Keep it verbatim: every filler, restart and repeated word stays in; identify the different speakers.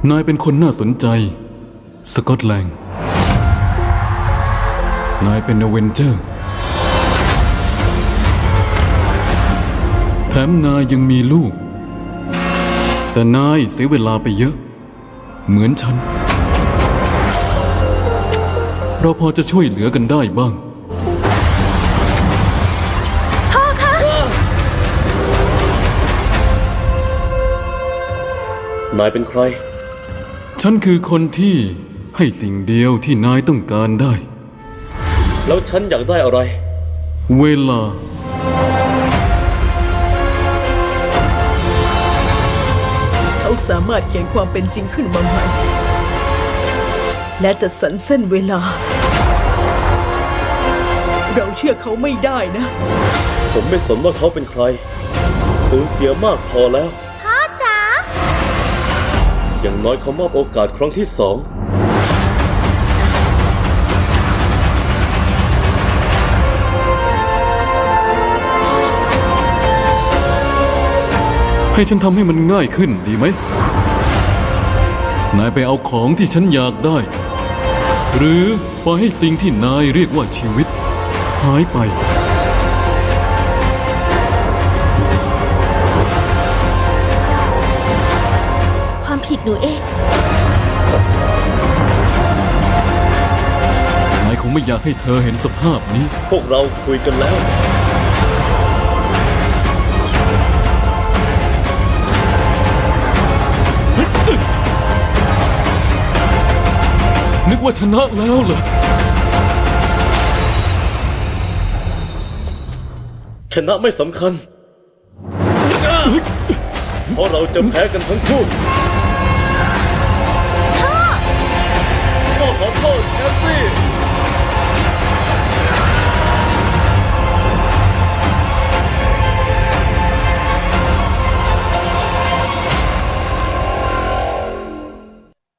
Speaker 1: นายเป็นคนน่าสนใจสกอตแลนด์นายเป็นอเวนเจอร์แถมนายยังมีลูกแต่นายเสียเวลาไปเยอะเหมือนฉันเราพอจะช่วยเหลือกันได้บ้าง
Speaker 2: นายเป็นใคร
Speaker 1: ฉันคือคนที่ให้สิ่งเดียวที่นายต้องการได้
Speaker 2: แล้วฉันอยากได้อะไร
Speaker 1: เวลา
Speaker 3: เขาสามารถเขียนความเป็นจริงขึ้นมาใหม่และจัดสรรเส้นเวลาเราเชื่อเขาไม่ได้นะ
Speaker 2: ผมไม่สนว่าเขาเป็นใครสูญเสียมากพอแล้ว
Speaker 4: พ่อจ๋า
Speaker 2: อย่างน้อยเขามอบโอกาสครั้งที่สอง
Speaker 1: ให้ฉันทำให้มันง่ายขึ้นดีไหมนายไปเอาของที่ฉันอยากได้หรือปล่อยให้สิ่งที่นายเรียกว่าชีวิตหายไป
Speaker 4: ความผิดหนูเอง
Speaker 1: นายคงไม่อยากให้เธอเห็นสภาพนี้
Speaker 2: พวกเราคุยกันแล้ว
Speaker 1: นึกว่าชนะแล้วเหรอ
Speaker 2: ชนะไม่สำคัญเพราะเราจะแพ้กันทั้งคู่